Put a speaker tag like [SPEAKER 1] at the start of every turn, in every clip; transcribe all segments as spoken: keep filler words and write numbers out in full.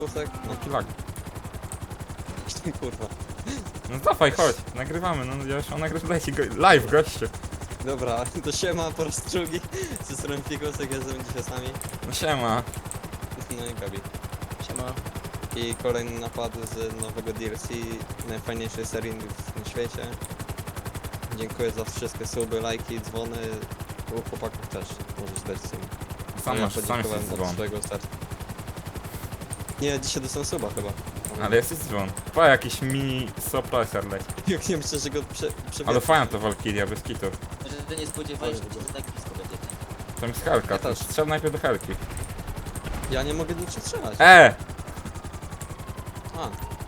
[SPEAKER 1] Kusek?
[SPEAKER 2] No kilak.
[SPEAKER 1] Kurwa.
[SPEAKER 2] No dawaj, chodź, nagrywamy, no ja już on nagrywa live, gościu.
[SPEAKER 1] Dobra, to siema po raz drugi. Ze strony Fikusek, jestem dzisiaj sami.
[SPEAKER 2] No siema.
[SPEAKER 1] No i Gabi.
[SPEAKER 3] Siema.
[SPEAKER 1] I kolejny napad z nowego D L C, najfajniejszej serii na świecie. Dziękuję za wszystkie suby, lajki, dzwony. U chłopaków też możesz dać suby.
[SPEAKER 2] Sam
[SPEAKER 1] Ja
[SPEAKER 2] masz, sam
[SPEAKER 1] podziękowałem
[SPEAKER 2] jesteś
[SPEAKER 1] od
[SPEAKER 2] dzwon.
[SPEAKER 1] swojego startu. Nie, dzisiaj dostałem suba chyba.
[SPEAKER 2] Ale jesteś dzwon. Pa, jakiś mini suppressor leci.
[SPEAKER 1] Jak nie myślę, że go prze, przebiegł.
[SPEAKER 2] Ale fajna to Valkyria, bez kitu.
[SPEAKER 3] Że ty nie spodziewaliśmy się, że tak blisko będzie.
[SPEAKER 2] Tam jest helka,
[SPEAKER 1] Ja
[SPEAKER 2] to
[SPEAKER 1] też.
[SPEAKER 2] strzel najpierw do helki.
[SPEAKER 1] Ja nie mogę nic strzelać.
[SPEAKER 2] E!
[SPEAKER 1] A.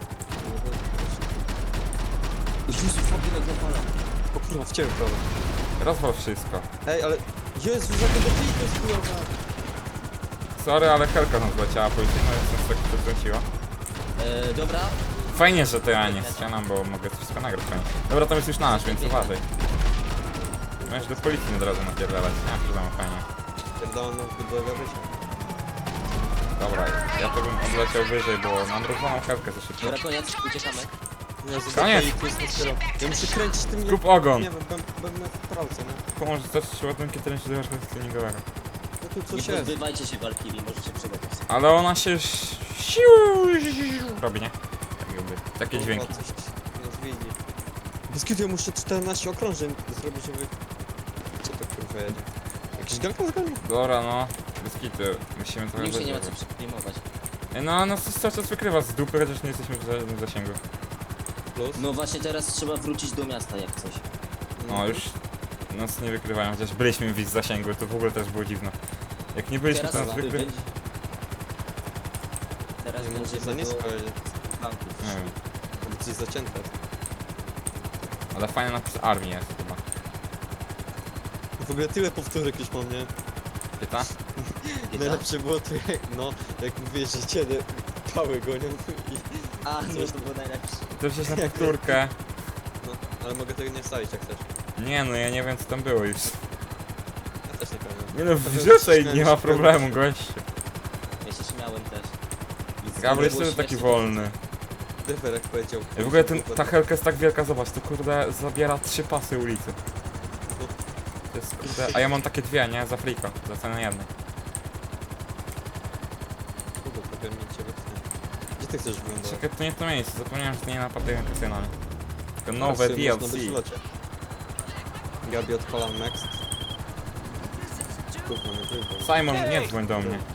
[SPEAKER 1] Jezu, fabryka zapala. O kurwa, w ciebie prawo.
[SPEAKER 2] Rozwal wszystko.
[SPEAKER 1] Ej, ale... Jezu, jakie do to jest kurwa.
[SPEAKER 2] Sorry, ale helka nam zleciała policyjna, więc nas tak przekręciła.
[SPEAKER 3] E, dobra.
[SPEAKER 2] Fajnie, że to ja nie strzelam, bo mogę to wszystko nagrać fajnie. Dobra, to jest już nasz, więc uważaj. Możesz do policji od razu napierdalać, nie ma problemu, fajnie.
[SPEAKER 1] Pierdolę do gabycia.
[SPEAKER 2] Dobra, ja to bym odleciał wyżej, bo mam rozwaną helkę za szybko.
[SPEAKER 3] Dobra, koniec, uciekamy.
[SPEAKER 1] Jezu,
[SPEAKER 2] Koniec.
[SPEAKER 1] to jest dopiero. Ja muszę kręcić tym...
[SPEAKER 2] Kup ogon!
[SPEAKER 1] Nie wiem, będę w pralce, nie?
[SPEAKER 2] Pomoże zacząć ładunki tręczy do warsztatu treningowego.
[SPEAKER 1] No tu
[SPEAKER 3] Nie
[SPEAKER 1] coś jest.
[SPEAKER 3] pozbywajcie się Valkyrii, możecie przydać.
[SPEAKER 2] Ale ona się siu robi, nie? Tak jakby, takie dźwięki.
[SPEAKER 1] Kurwa, coś nas widzi. Bez kiedy ja muszę czternaście okrążeń zrobić, żeby... Co to kurwa jedzie? Jakiś galka zgarnia?
[SPEAKER 2] Dobra, no. Bez kitu, musimy trochę
[SPEAKER 3] Już się nie ma
[SPEAKER 2] wyżej.
[SPEAKER 3] co przyklimować.
[SPEAKER 2] No, no cały czas wykrywa z dupy, chociaż nie jesteśmy w żadnym zasięgu.
[SPEAKER 1] Plus?
[SPEAKER 3] No właśnie teraz trzeba wrócić do miasta jak coś.
[SPEAKER 2] No już nas nie wykrywają, chociaż byliśmy w ich zasięgu, to w ogóle też było dziwne. Jak nie byliśmy, to
[SPEAKER 3] Teraz
[SPEAKER 2] nas
[SPEAKER 3] wy-
[SPEAKER 2] wykry...
[SPEAKER 3] wy- Teraz
[SPEAKER 1] Nie może za
[SPEAKER 3] będziemy
[SPEAKER 1] nisko
[SPEAKER 3] do
[SPEAKER 1] jedzie.
[SPEAKER 3] banków.
[SPEAKER 2] Nie wiem,
[SPEAKER 1] Albo coś zacięte.
[SPEAKER 2] ale fajny napis armii jest chyba.
[SPEAKER 1] W ogóle tyle powtórek już mam, nie?
[SPEAKER 2] Pyta?
[SPEAKER 1] Najlepsze było to jak, no, jak mówię, że ciebie pały gonią i...
[SPEAKER 3] A, no to było najlepsze.
[SPEAKER 2] To wziąć na powtórkę.
[SPEAKER 1] No, ale mogę tego nie wstawić jak chcesz.
[SPEAKER 2] Nie no, ja nie wiem co tam było już.
[SPEAKER 1] Ja też nie pamiętam.
[SPEAKER 2] Nie no, wrzucaj, nie ma problemu, gościu.
[SPEAKER 3] Ja się śmiałem też.
[SPEAKER 2] Gabriel
[SPEAKER 3] Było
[SPEAKER 2] jest taki
[SPEAKER 3] śmiesznie.
[SPEAKER 2] wolny.
[SPEAKER 1] Defer jak powiedział.
[SPEAKER 2] I w ogóle ten, ta helka jest tak wielka, zobacz, to kurde zabiera trzy pasy ulicy. To jest kurde, a ja mam takie dwie, nie? Za friko, za cenę jednej.
[SPEAKER 1] Kurde, prawie mi cię wytnie. Gdzie ty chcesz wyglądać?
[SPEAKER 2] Czekaj, to nie to miejsce, zapomniałem, że to nie napadają kasyna, nie? Tylko nowe D L C.
[SPEAKER 1] Gabi odpalam next. Kurwa, nie wyjdę.
[SPEAKER 2] Simon, nie dzwoń do mnie.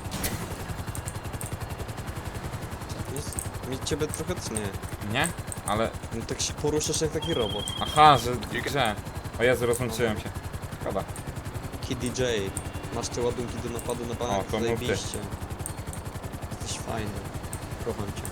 [SPEAKER 1] Jest, mi ciebie trochę tnie.
[SPEAKER 2] Nie? Ale,
[SPEAKER 1] No tak się poruszasz jak taki robot.
[SPEAKER 2] aha, że w grze. O Jezu, rozłączyłem się. Szkoda.
[SPEAKER 1] Kid D J. Masz te ładunki do napadu na
[SPEAKER 2] O,
[SPEAKER 1] bank,
[SPEAKER 2] to mów ty.
[SPEAKER 1] zajebiście. Jesteś fajny. Kocham cię.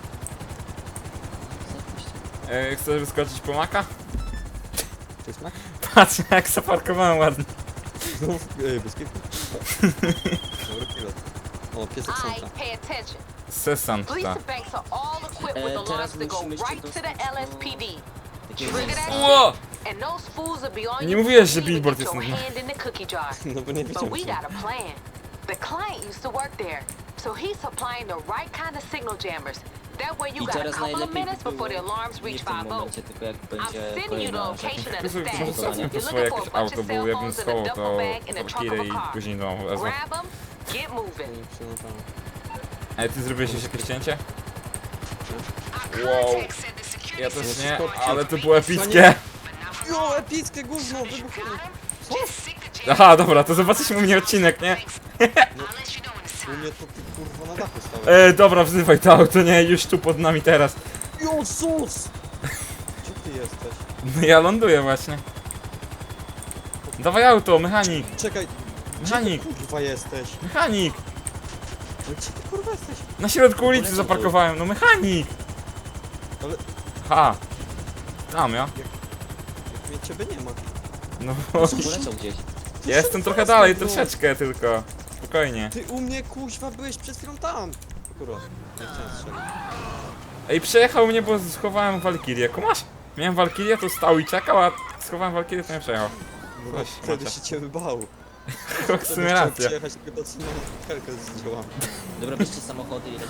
[SPEAKER 2] E, chcesz wyskoczyć po maka?
[SPEAKER 1] To jest mak?
[SPEAKER 2] Patrz jak zaparkowałem ładnie.
[SPEAKER 1] No, ej, bez kitu. Dobry pilot. O, piesek
[SPEAKER 4] Alright,
[SPEAKER 1] Santa.
[SPEAKER 4] pay attention.
[SPEAKER 2] Sesant,
[SPEAKER 4] Police
[SPEAKER 2] ta.
[SPEAKER 4] and banks are all equipped with
[SPEAKER 3] E,
[SPEAKER 4] alarms
[SPEAKER 3] teraz
[SPEAKER 4] that go
[SPEAKER 3] musimy się
[SPEAKER 4] right to the
[SPEAKER 3] dostać
[SPEAKER 4] L S P D.
[SPEAKER 3] Takiego
[SPEAKER 4] Trigger
[SPEAKER 3] miejsca.
[SPEAKER 4] that
[SPEAKER 2] Ło!
[SPEAKER 4] and those fools will be on
[SPEAKER 2] Nie
[SPEAKER 4] you
[SPEAKER 2] mówiłeś,
[SPEAKER 4] before
[SPEAKER 2] że
[SPEAKER 4] you even
[SPEAKER 2] billboard
[SPEAKER 4] get
[SPEAKER 2] jest
[SPEAKER 4] your
[SPEAKER 2] na-
[SPEAKER 4] hand in the cookie jar.
[SPEAKER 1] No bo nie
[SPEAKER 4] But
[SPEAKER 1] widziałem
[SPEAKER 4] we
[SPEAKER 1] cię.
[SPEAKER 4] got a plan. The client used to work there, so he's supplying the right kind of signal jammers. That way you
[SPEAKER 3] I
[SPEAKER 4] got a
[SPEAKER 3] teraz
[SPEAKER 4] couple of
[SPEAKER 3] najlepiej
[SPEAKER 4] minutes
[SPEAKER 3] by
[SPEAKER 4] before the
[SPEAKER 3] było
[SPEAKER 4] alarms
[SPEAKER 3] nie
[SPEAKER 4] reach
[SPEAKER 3] w tym
[SPEAKER 4] five oh.
[SPEAKER 3] momencie, tylko jak
[SPEAKER 4] I'm
[SPEAKER 3] będzie
[SPEAKER 4] sending you the
[SPEAKER 3] kolejna
[SPEAKER 4] location of the
[SPEAKER 2] Może
[SPEAKER 4] stash.
[SPEAKER 2] może zadzwoń po
[SPEAKER 4] You're
[SPEAKER 2] swoje
[SPEAKER 4] looking
[SPEAKER 2] jakieś
[SPEAKER 4] for a bunch
[SPEAKER 2] auto,
[SPEAKER 4] of
[SPEAKER 2] bo
[SPEAKER 4] cell
[SPEAKER 2] jakbym
[SPEAKER 4] phones in a
[SPEAKER 2] schował
[SPEAKER 4] duffel
[SPEAKER 2] to
[SPEAKER 4] bag in the trunk of
[SPEAKER 2] Valkyrie
[SPEAKER 4] a
[SPEAKER 2] i
[SPEAKER 4] car.
[SPEAKER 2] później do wezmę.
[SPEAKER 4] Grab them, get moving.
[SPEAKER 1] Nie przyjmowałem.
[SPEAKER 2] Ej, ty zrobiłeś już jakieś cięcie?
[SPEAKER 4] Our
[SPEAKER 2] Wow.
[SPEAKER 4] contact said the security
[SPEAKER 2] Ja też
[SPEAKER 4] system
[SPEAKER 2] nie,
[SPEAKER 4] was
[SPEAKER 2] ale to
[SPEAKER 4] reached
[SPEAKER 2] było epickie.
[SPEAKER 1] Jo, epickie gówno, wybuchło.
[SPEAKER 4] Just stick the jam.
[SPEAKER 2] Aha, dobra, to zobaczysz u mnie odcinek, nie?
[SPEAKER 4] I'll let you know when it's
[SPEAKER 1] U mnie to ty kurwa na dachu stałeś.
[SPEAKER 2] E, dobra, wzywaj to auto, nie? Już tu pod nami teraz.
[SPEAKER 1] Jezus! Gdzie ty jesteś?
[SPEAKER 2] No ja ląduję właśnie. Dawaj auto, mechanik,
[SPEAKER 1] Czekaj,
[SPEAKER 2] mechanik,
[SPEAKER 1] gdzie ty kurwa jesteś?
[SPEAKER 2] mechanik.
[SPEAKER 1] No gdzie ty kurwa jesteś?
[SPEAKER 2] Na środku ulicy zaparkowałem, no mechanik.
[SPEAKER 1] Ale
[SPEAKER 2] Ha. Tam ja.
[SPEAKER 1] jak mnie ciebie nie ma.
[SPEAKER 2] No bo
[SPEAKER 3] Poleciał gdzieś.
[SPEAKER 2] ja jestem trochę dalej, troszeczkę tylko. Spokojnie.
[SPEAKER 1] Ty u mnie kuźwa byłeś przed chwilą tam. Kurwa, nie chciałem strzelić.
[SPEAKER 2] Ej, przejechał mnie, bo schowałem Valkyrię. Kumasz? Miałem Valkyrię, to stał i czekał, a schowałem Valkyrię, to nie przejechał.
[SPEAKER 1] No
[SPEAKER 2] Weź,
[SPEAKER 1] wtedy
[SPEAKER 2] macie.
[SPEAKER 1] się ciebie bał.
[SPEAKER 2] W sumie
[SPEAKER 1] Chciałem
[SPEAKER 2] racja.
[SPEAKER 1] przyjechać tylko do helkę z dziełami.
[SPEAKER 3] Dobra, bierzcie samochody i lecimy.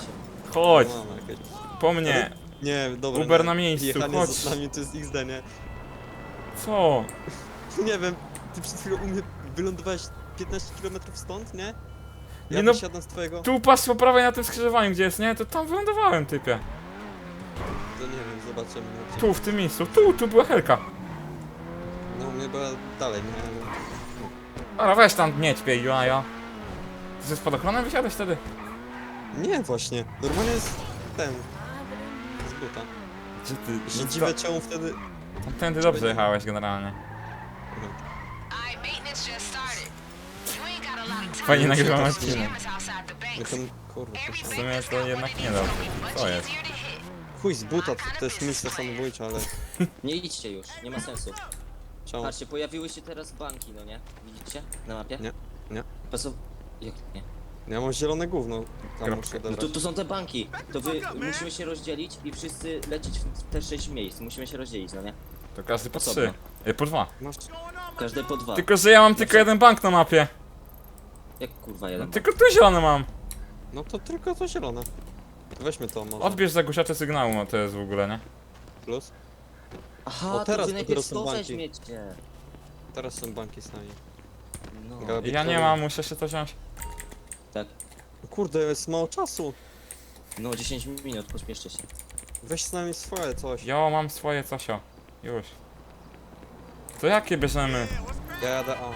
[SPEAKER 2] Chodź,
[SPEAKER 1] No, mamy jakieś...
[SPEAKER 2] po mnie.
[SPEAKER 1] Nie, dobra.
[SPEAKER 2] Uber
[SPEAKER 1] nie.
[SPEAKER 2] na miejscu,
[SPEAKER 1] Jechanie
[SPEAKER 2] chodź.
[SPEAKER 1] z nami to jest X D, nie?
[SPEAKER 2] Co?
[SPEAKER 1] Nie wiem, ty przed chwilą u mnie wylądowałeś piętnaście kilometrów stąd, nie? Ja
[SPEAKER 2] Nie no,
[SPEAKER 1] wysiadam z twojego...
[SPEAKER 2] tu patrz po prawej na tym skrzyżowaniu, gdzie jest, nie? To tam wylądowałem, typie.
[SPEAKER 1] To nie wiem, zobaczymy. No,
[SPEAKER 2] Tu, w tym miejscu. Tu, tu była helka.
[SPEAKER 1] No u mnie była dalej, nie?
[SPEAKER 2] Dobra, weź tam mieć, pie, jaja. Ty ze spadochronem wysiadłeś wtedy?
[SPEAKER 1] Nie, właśnie. Normalnie jest ten... Z buta.
[SPEAKER 2] Gdzie ty?
[SPEAKER 1] Że dziwę czemu wtedy...
[SPEAKER 2] Tędy dobrze jechałeś generalnie.
[SPEAKER 4] Alright, maintenance just started. You ain't got a lot of time.
[SPEAKER 2] Fajnie
[SPEAKER 1] Nie
[SPEAKER 2] nagrywam
[SPEAKER 1] wiem,
[SPEAKER 2] odcinek.
[SPEAKER 4] Jammers outside the
[SPEAKER 1] Ja
[SPEAKER 4] banks.
[SPEAKER 1] tam... Kurwa, to
[SPEAKER 4] Every
[SPEAKER 1] się...
[SPEAKER 2] W sumie
[SPEAKER 4] bank
[SPEAKER 2] to
[SPEAKER 4] that's
[SPEAKER 2] jednak
[SPEAKER 4] got
[SPEAKER 2] nie
[SPEAKER 4] money,
[SPEAKER 2] dobrze.
[SPEAKER 4] it's gonna be
[SPEAKER 2] Co
[SPEAKER 4] much
[SPEAKER 2] jest?
[SPEAKER 4] easier to hit.
[SPEAKER 1] Chuj z buta, to, to jest misja samobójcza, ale...
[SPEAKER 3] Nie idźcie już, nie ma sensu.
[SPEAKER 1] Czemu?
[SPEAKER 3] Patrzcie, pojawiły się teraz banki, no nie? Widzicie? Na mapie?
[SPEAKER 1] Nie, nie.
[SPEAKER 3] Pasu... Jak nie?
[SPEAKER 1] Ja mam zielone gówno. Tam
[SPEAKER 2] Kropka.
[SPEAKER 1] muszę
[SPEAKER 3] No
[SPEAKER 1] odebrać.
[SPEAKER 3] to, to są te banki. To wy musimy się rozdzielić i wszyscy lecieć w te sześć miejsc. Musimy się rozdzielić, no nie?
[SPEAKER 2] To każdy po
[SPEAKER 3] Osobno.
[SPEAKER 2] trzy. Y, Po dwa.
[SPEAKER 1] Masz...
[SPEAKER 3] Każdy po dwa.
[SPEAKER 2] Tylko, że ja mam tylko jeden bank na mapie.
[SPEAKER 3] Jak kurwa jeden.
[SPEAKER 2] Tylko tu zielony mam.
[SPEAKER 1] No to tylko to zielone. To weźmy to może.
[SPEAKER 2] Odbierz zagłuszacze sygnału, no to jest w ogóle, nie?
[SPEAKER 1] Plus.
[SPEAKER 3] Aha,
[SPEAKER 1] O,
[SPEAKER 3] to
[SPEAKER 1] teraz
[SPEAKER 3] wy
[SPEAKER 1] dopiero
[SPEAKER 3] najpierw
[SPEAKER 1] są
[SPEAKER 3] to
[SPEAKER 1] banki.
[SPEAKER 3] weźmiecie.
[SPEAKER 1] Teraz są banki z nami.
[SPEAKER 3] No,
[SPEAKER 1] Gabi-
[SPEAKER 2] Ja nie mam, muszę się to wziąć.
[SPEAKER 3] tak.
[SPEAKER 1] Kurde, jest mało czasu.
[SPEAKER 3] No dziesięć minut, pośpieszcie się.
[SPEAKER 1] Weź z nami swoje coś.
[SPEAKER 2] Jo, mam swoje cosio. Już. To jakie bierzemy?
[SPEAKER 1] Ja jadę A.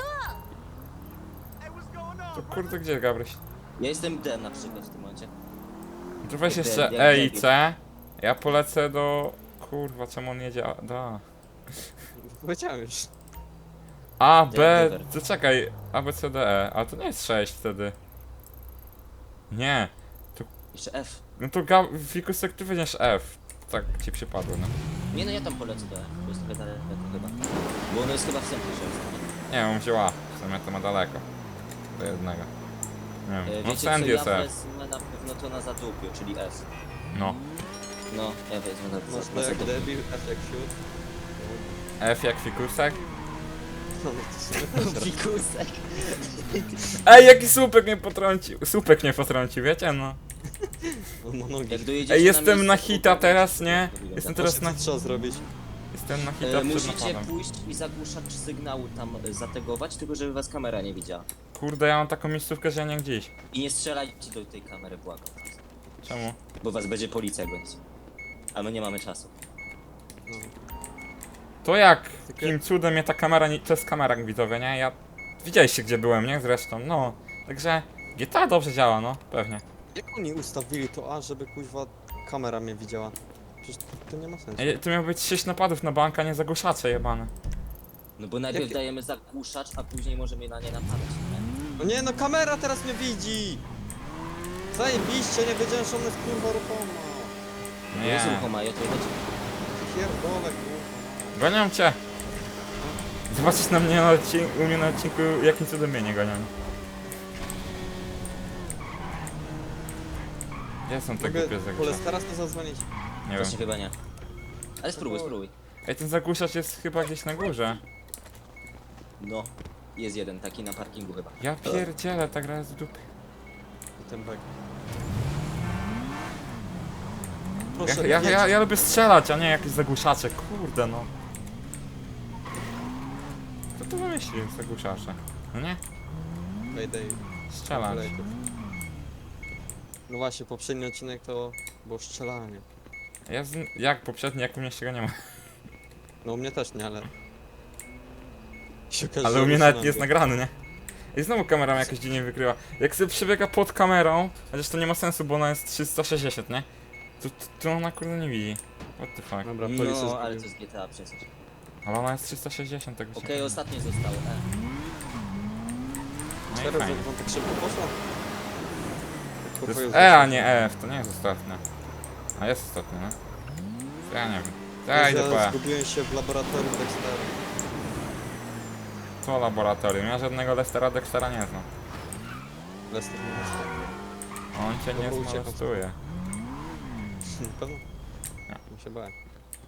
[SPEAKER 2] To kurde, gdzie Gabryś?
[SPEAKER 3] Ja jestem D na przykład w tym momencie.
[SPEAKER 2] To weź
[SPEAKER 3] Jak
[SPEAKER 2] jeszcze
[SPEAKER 3] de- jak
[SPEAKER 2] E i
[SPEAKER 3] debil.
[SPEAKER 2] C. Ja polecę do... Kurwa, czemu on jedzie A- do A?
[SPEAKER 1] Powiedziałem już.
[SPEAKER 2] A, B...
[SPEAKER 3] Denver.
[SPEAKER 2] To czekaj. A, B, C, D, E. A to nie jest sześć wtedy. Nie.
[SPEAKER 3] Jeszcze F.
[SPEAKER 2] No to Gab... Fikusek, ty weźmiesz F. Tak ci przypadło, no.
[SPEAKER 3] Nie no, ja tam polecę do F, bo jest trochę daleko chyba. Bo ono jest chyba w centrum się
[SPEAKER 2] Nie, on wziął A. W sumie to ma daleko. Do jednego. Nie
[SPEAKER 3] E,
[SPEAKER 2] wiem. No
[SPEAKER 3] Wiecie
[SPEAKER 2] send
[SPEAKER 3] co,
[SPEAKER 2] jest
[SPEAKER 3] ja
[SPEAKER 2] F.
[SPEAKER 3] wezmę na pewno to na zadupiu, czyli S.
[SPEAKER 2] No.
[SPEAKER 3] No, ja wezmę na,
[SPEAKER 1] Masz
[SPEAKER 3] na
[SPEAKER 1] to jak
[SPEAKER 3] zadupiu.
[SPEAKER 1] debil, F jak siód.
[SPEAKER 2] F jak fikusek.
[SPEAKER 1] No to sobie
[SPEAKER 3] Fikusek.
[SPEAKER 2] Ej, jaki słupek mnie potrącił. Słupek mnie potrącił, wiecie, no.
[SPEAKER 1] On ma nogi.
[SPEAKER 3] Jak dojedziecie
[SPEAKER 2] Ej, jestem
[SPEAKER 3] miejsce,
[SPEAKER 2] na
[SPEAKER 3] to
[SPEAKER 2] hita
[SPEAKER 3] powiecie,
[SPEAKER 2] teraz,
[SPEAKER 3] jak
[SPEAKER 2] nie?
[SPEAKER 3] to wygląda.
[SPEAKER 2] Jestem teraz na...
[SPEAKER 1] Co trzeba zrobić?
[SPEAKER 2] Jestem na hita
[SPEAKER 3] E,
[SPEAKER 2] przed
[SPEAKER 3] musicie
[SPEAKER 2] napadem.
[SPEAKER 3] pójść i zagłuszacz sygnału tam e, zategować, tylko żeby was kamera nie widziała.
[SPEAKER 2] Kurde, ja mam taką miejscówkę, że ja nie gdzieś.
[SPEAKER 3] I nie strzelajcie do tej kamery, błagam.
[SPEAKER 2] Czemu?
[SPEAKER 3] Bo was będzie policja gonić. A my nie mamy czasu.
[SPEAKER 1] No.
[SPEAKER 2] To jak?
[SPEAKER 1] Tylko-
[SPEAKER 2] Jakim cudem mnie ta kamera nie... To jest kamera widzowie, nie? Ja... Widzieliście gdzie byłem, nie? Zresztą, no. Także... G T A dobrze działa, no. Pewnie.
[SPEAKER 1] Jak oni ustawili to A, żeby kuźwa kamera mnie widziała? Przecież to, to nie ma sensu.
[SPEAKER 2] Ej, tu miało być sześć napadów na bank, a nie zagłuszacze jebane.
[SPEAKER 3] No bo najpierw
[SPEAKER 1] Jakie-
[SPEAKER 3] dajemy zagłuszacz, a później możemy na nie napadać, nie?
[SPEAKER 1] No nie, no kamera teraz mnie widzi! Zajebiście, nie wiedziałem, że ona jest kurwa ruchoma.
[SPEAKER 3] Nie. Jest
[SPEAKER 2] Nie.
[SPEAKER 3] ruchoma, ja to leci.
[SPEAKER 1] Pierdolę kurwa.
[SPEAKER 2] Gonią cię! Zobaczysz na mnie na odcinku, u mnie na odcinku, jakim cudem mnie nie gonią. Gdzie są te
[SPEAKER 1] Mogę
[SPEAKER 2] głupie zagłuszacze?
[SPEAKER 1] Poles teraz to zadzwonić.
[SPEAKER 2] Nie wiem.
[SPEAKER 3] Właśnie chyba nie. Ale spróbuj, spróbuj.
[SPEAKER 2] Ej, ten zagłuszacz jest chyba gdzieś na górze.
[SPEAKER 3] No. Jest jeden taki na parkingu chyba.
[SPEAKER 2] Ja pierdzielę, ta gra jest w dupie.
[SPEAKER 1] I ten bek.
[SPEAKER 2] Ja,
[SPEAKER 1] Proszę,
[SPEAKER 2] ja,
[SPEAKER 1] jedź.
[SPEAKER 2] ja, ja lubię strzelać, a nie jakieś zagłuszacze, kurde no. Kto to wymyślił, zagłuszacze? No nie?
[SPEAKER 1] Mayday.
[SPEAKER 2] Strzelać.
[SPEAKER 1] No właśnie, poprzedni odcinek to było strzelanie.
[SPEAKER 2] Ja z... Jak poprzedni, jak u mnie się go nie ma.
[SPEAKER 1] No u mnie też nie, ale... Się okaże,
[SPEAKER 2] Ale
[SPEAKER 1] że
[SPEAKER 2] u mnie nawet
[SPEAKER 1] usunąłem
[SPEAKER 2] nie jest
[SPEAKER 1] go.
[SPEAKER 2] nagrany, nie? I znowu kamera mnie jakoś dziwnie wykryła. Jak sobie przebiega pod kamerą, chociaż to nie ma sensu, bo ona jest trzysta sześćdziesiąt, nie? To, to, to ona kurde nie widzi. What the fuck.
[SPEAKER 1] Dobra, policja
[SPEAKER 3] No, ale to
[SPEAKER 1] zgubiła.
[SPEAKER 3] jest G T A przecież.
[SPEAKER 2] Ale ona jest trzysta sześćdziesiąt, tego się
[SPEAKER 3] Okej,
[SPEAKER 2] nie-
[SPEAKER 3] ostatnie zostało. E.
[SPEAKER 2] No i
[SPEAKER 1] Teraz
[SPEAKER 2] fajnie.
[SPEAKER 1] wam tak szybko poszło?
[SPEAKER 2] To
[SPEAKER 1] Kurwa,
[SPEAKER 2] jest
[SPEAKER 1] już
[SPEAKER 2] E, a
[SPEAKER 1] doszło.
[SPEAKER 2] nie F, to nie jest ostatnie. A jest ostatnie, no. To ja nie wiem. To ja
[SPEAKER 1] Ja
[SPEAKER 2] idę po E.
[SPEAKER 1] zgubiłem się w laboratorium Dextera.
[SPEAKER 2] Co laboratorium? Ja żadnego Lestera Dextera nie znam.
[SPEAKER 1] Lester nie ma stanu.
[SPEAKER 2] On cię nie
[SPEAKER 1] Dobra, uciekam.
[SPEAKER 2] zmolestuje.
[SPEAKER 1] Na pewno?
[SPEAKER 2] Nie.
[SPEAKER 1] Nie się bałem.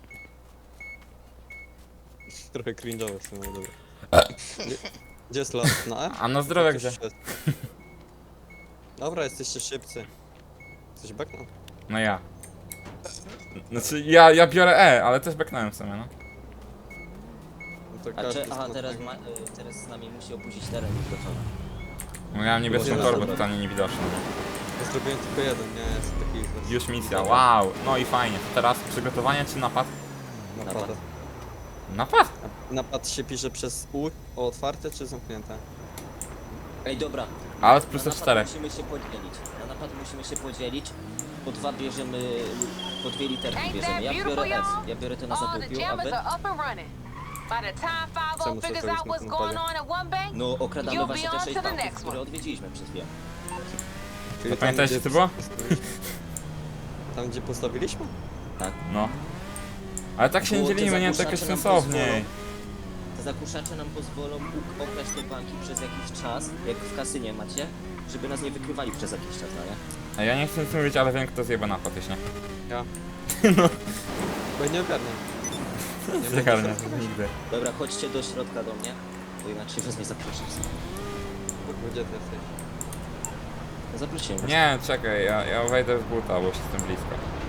[SPEAKER 1] Trochę cringe'owe w sumie, dobra. Gdzie, gdzie jest las? Na E?
[SPEAKER 2] A na zdrowie
[SPEAKER 1] Coś
[SPEAKER 2] gdzie?
[SPEAKER 1] jest. Dobra, jesteście szybcy. Ktoś backnął?
[SPEAKER 2] No ja. Znaczy ja, ja biorę E, ale też backnąłem w sumie, no.
[SPEAKER 1] No to
[SPEAKER 3] A
[SPEAKER 1] każdy
[SPEAKER 3] czy, aha,
[SPEAKER 1] z
[SPEAKER 3] teraz,
[SPEAKER 1] mocnego.
[SPEAKER 3] ma, y, teraz z nami musi opuścić teren już gotowy.
[SPEAKER 2] No ja mam niebieską
[SPEAKER 1] Dobra.
[SPEAKER 2] torbę, totalnie niewidoczną.
[SPEAKER 1] Ja zrobiłem tylko jeden, nie jest taki...
[SPEAKER 2] Już misja, wow, no i fajnie. Teraz przygotowanie czy napad?
[SPEAKER 1] Napad.
[SPEAKER 3] Napad.
[SPEAKER 2] Napad?
[SPEAKER 1] Napad się pisze przez U, o otwarte czy zamknięte?
[SPEAKER 3] Ej, dobra.
[SPEAKER 2] Ale z plus
[SPEAKER 3] Na napad
[SPEAKER 2] czterech.
[SPEAKER 3] musimy się podzielić. Na napad musimy się podzielić. Po dwa bierzemy, po dwie literki
[SPEAKER 4] Ain't
[SPEAKER 3] bierzemy.
[SPEAKER 4] that
[SPEAKER 3] Ja
[SPEAKER 4] beautiful,
[SPEAKER 3] biorę S.
[SPEAKER 4] y'all?
[SPEAKER 3] Ja biorę to na
[SPEAKER 4] All the
[SPEAKER 3] zadupiu, a
[SPEAKER 4] jammers
[SPEAKER 3] wy?
[SPEAKER 4] are up and running. By the time five
[SPEAKER 1] Co
[SPEAKER 4] oh
[SPEAKER 1] muszę
[SPEAKER 4] figures
[SPEAKER 1] zrobić
[SPEAKER 4] out
[SPEAKER 1] na
[SPEAKER 4] what's
[SPEAKER 1] tym
[SPEAKER 4] going
[SPEAKER 1] polu?
[SPEAKER 4] on at one bank,
[SPEAKER 3] No, okradamy
[SPEAKER 4] You'll
[SPEAKER 3] właśnie
[SPEAKER 4] be
[SPEAKER 3] te
[SPEAKER 4] on
[SPEAKER 3] sześć
[SPEAKER 4] to the
[SPEAKER 3] banków,
[SPEAKER 4] next
[SPEAKER 3] które
[SPEAKER 4] one.
[SPEAKER 3] odwiedziliśmy przez chwilę.
[SPEAKER 1] Czyli
[SPEAKER 2] pamiętajcie,
[SPEAKER 1] gdzie
[SPEAKER 2] co było?
[SPEAKER 1] postawiliśmy? Tam gdzie postawiliśmy?
[SPEAKER 3] Tak.
[SPEAKER 2] No. Ale tak się nie
[SPEAKER 3] Bo te
[SPEAKER 2] dzielimy, nie jest
[SPEAKER 3] zagłuszacze
[SPEAKER 2] takie
[SPEAKER 3] nam
[SPEAKER 2] sensowniej.
[SPEAKER 3] pozwolą- Te zakuszacze nam pozwolą uk- okraść te banki przez jakiś czas, jak w kasynie macie, żeby nas nie wykrywali przez jakiś czas, no nie?
[SPEAKER 2] A ja nie chcę nic mówić, ale wiem kto zjeba napad, jeśli nie.
[SPEAKER 1] Ja.
[SPEAKER 2] No.
[SPEAKER 1] Bo ja nie ogarniam. Nie
[SPEAKER 2] Zagarnia,
[SPEAKER 1] będę się-
[SPEAKER 2] nigdy.
[SPEAKER 3] Dobra, chodźcie do środka do mnie, bo inaczej was nie zaproszę.
[SPEAKER 1] Kurwa, gdzie ty jesteś?
[SPEAKER 3] No zaprosiłem was.
[SPEAKER 2] Nie, czekaj, ja, ja wejdę z buta, bo już jestem blisko.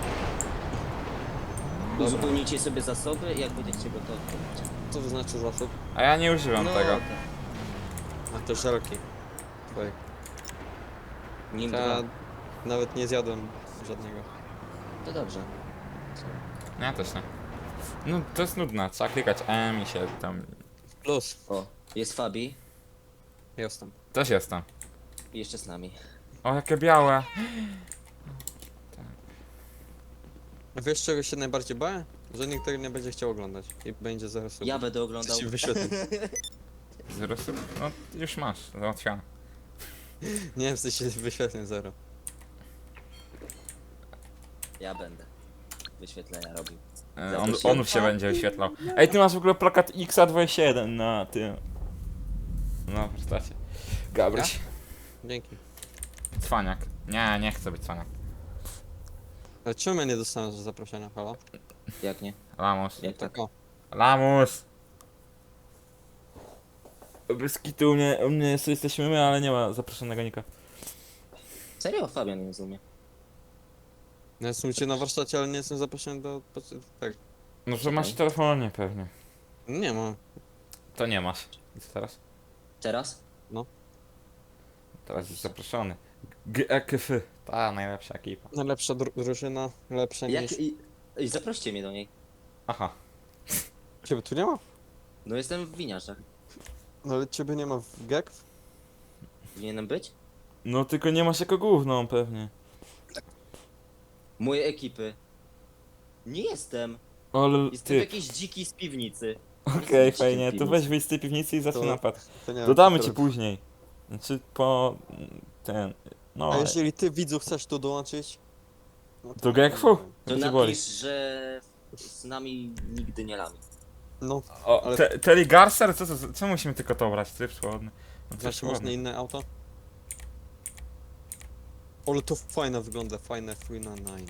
[SPEAKER 3] Uzupełnijcie sobie zasoby i jak będziecie gotowi, to będzie.
[SPEAKER 1] Co to znaczy zasób?
[SPEAKER 2] A ja nie używam tego.
[SPEAKER 3] tak.
[SPEAKER 1] A te żelki. Twoje.
[SPEAKER 3] Nim
[SPEAKER 1] Ja
[SPEAKER 3] dwa.
[SPEAKER 1] nawet nie zjadłem żadnego.
[SPEAKER 3] To dobrze.
[SPEAKER 2] Ja też nie. No to jest nudne, trzeba klikać M i się tam...
[SPEAKER 1] Plus.
[SPEAKER 3] O, jest Fabi
[SPEAKER 1] Jestem.
[SPEAKER 2] Też jestem.
[SPEAKER 3] i jeszcze z nami.
[SPEAKER 2] O, jakie białe.
[SPEAKER 1] A wiesz czego się najbardziej bałem? Że nikt tego nie będzie chciał oglądać i będzie zaraz sobie.
[SPEAKER 3] Ja będę oglądał.
[SPEAKER 1] się wyświetli.
[SPEAKER 2] Zero sub? No już masz, załatwione.
[SPEAKER 1] Nie wiem, w sensie wyświetleń zero.
[SPEAKER 3] Ja będę wyświetlenia robił.
[SPEAKER 2] E, On,
[SPEAKER 3] Zaprosiłem.
[SPEAKER 2] on się będzie wyświetlał. Ej, ty masz w ogóle plakat X A dwadzieścia jeden na tym... No, postacie. Gabryś.
[SPEAKER 1] Dzięki.
[SPEAKER 2] Cwaniak. Nie, nie chcę być cwaniak.
[SPEAKER 1] Ale czemu ja nie dostałem zaproszenia, halo?
[SPEAKER 3] Jak nie?
[SPEAKER 2] Lamus.
[SPEAKER 3] Jak tak?
[SPEAKER 1] O,
[SPEAKER 2] Lamus! Bez kitu u mnie, u mnie jest, jesteśmy my, ale nie ma zaproszonego nika.
[SPEAKER 3] Serio? Fabian nie rozumie.
[SPEAKER 1] no jestem u ciebie na warsztacie, ale nie jestem zaproszony do... Tak.
[SPEAKER 2] No, że masz w telefonie pewnie.
[SPEAKER 1] Nie mam.
[SPEAKER 2] To nie masz. I co teraz?
[SPEAKER 3] Teraz?
[SPEAKER 2] Teraz jest zaproszony. G E K F. Ta najlepsza ekipa.
[SPEAKER 1] Najlepsza dru drużyna, lepsza
[SPEAKER 3] Jak
[SPEAKER 1] niż...
[SPEAKER 3] i... i zaproście mnie do niej.
[SPEAKER 2] Aha.
[SPEAKER 1] Ciebie tu nie ma?
[SPEAKER 3] No jestem w winiarzach.
[SPEAKER 1] No ale ciebie nie ma w G E K W?
[SPEAKER 3] Powinienem być?
[SPEAKER 2] No tylko nie masz jako główną pewnie.
[SPEAKER 3] Moje ekipy. Nie jestem.
[SPEAKER 2] Ale
[SPEAKER 3] Jestem
[SPEAKER 2] ty.
[SPEAKER 3] jakiś dziki z piwnicy.
[SPEAKER 2] Okej,
[SPEAKER 3] Jestem
[SPEAKER 2] fajnie.
[SPEAKER 3] dzikim
[SPEAKER 2] To
[SPEAKER 3] w
[SPEAKER 2] weź
[SPEAKER 3] piwnicy.
[SPEAKER 2] wyjść z tej piwnicy i zacznij
[SPEAKER 1] To-
[SPEAKER 2] napad.
[SPEAKER 1] To nie
[SPEAKER 2] Dodamy
[SPEAKER 1] to
[SPEAKER 2] ci
[SPEAKER 1] teraz.
[SPEAKER 2] później. Znaczy po... ten... No...
[SPEAKER 1] A jeżeli ty widzu chcesz tu dołączyć? No
[SPEAKER 2] Do G E K W-u?
[SPEAKER 3] To
[SPEAKER 2] To cię boli.
[SPEAKER 3] napisz, że z nami nigdy nie lami.
[SPEAKER 1] No,
[SPEAKER 2] O,
[SPEAKER 1] ale-
[SPEAKER 2] te, Terry Garcer? Co, co, co, co musimy tylko to brać? Tryb słodny. No,
[SPEAKER 1] znaczy
[SPEAKER 2] tryb
[SPEAKER 1] można inne auto? Ale to fajne wygląda, fajne F nine.